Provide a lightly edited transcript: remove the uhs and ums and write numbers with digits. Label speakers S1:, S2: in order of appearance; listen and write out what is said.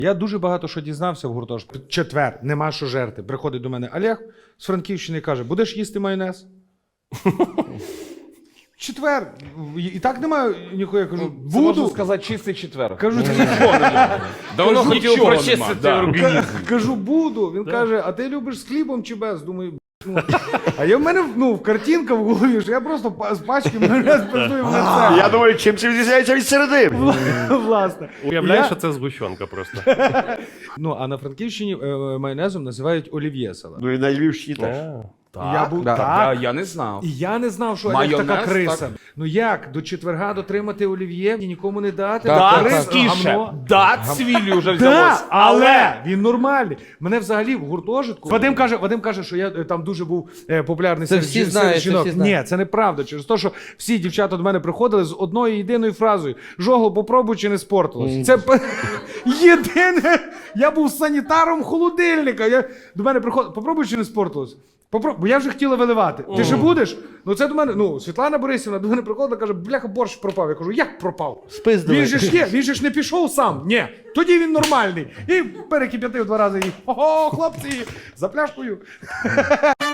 S1: Я дуже багато що дізнався в гуртожитку. Четвер, нема що жерти. Приходить до мене Олег з Франківщини і каже, будеш їсти майонез? Четвер. І так немає ніхуя. Я кажу,
S2: Це можна
S1: буду.
S2: сказати чистий четвер.
S1: Кажу,
S3: Давно хотів
S2: нічого
S3: прочистити
S2: нема,
S3: організм.
S1: кажу, буду. Він каже, а ти любиш з хлібом чи без? Думаю, ну. А я в мене картинка в голові, що я просто з пачки майонез пиздую в лице.
S4: Я думаю, чим це відрізняється від середини?
S1: Власне.
S3: Уявляєш,
S1: Я-
S3: що це згущенка просто.
S1: Ну, а на Франківщині майонезом називають олів'є салат.
S4: Ну і на Львівщині теж.
S1: Я був так.
S2: Я не знав.
S1: І я не знав, що
S2: Майонез,
S1: Олег така криса.
S2: так?
S1: Ну як, до четверга дотримати олів'є і нікому не дати?
S2: Так,
S1: Рис,
S2: скіше.
S1: гамно.
S2: Да, цвіллю вже
S1: Да,
S2: взялось.
S1: але він нормальний. Мене взагалі в гуртожитку. Вадим каже, що я там дуже був популярний
S5: Це всі знають, це
S1: жінок.
S5: всі знають.
S1: Ні, це неправда. Через те, що всі дівчата до мене приходили з одною єдиною фразою: Жогло, попробуй, чи не спортилось. Це єдине. Я був санітаром холодильника. До мене приходили, попробуй, чи не спортилось. Бо я вже хотіла виливати. Ти ще будеш? Ну це до мене, Світлана Борисівна до мене приходила, каже, бляха, борщ пропав. Я кажу, як пропав?
S5: Спиздили.
S1: Він же ж є, він же ж не пішов сам. Ні, тоді він нормальний. І перекип'ятив 2 рази і, ого, хлопці, за пляшкою.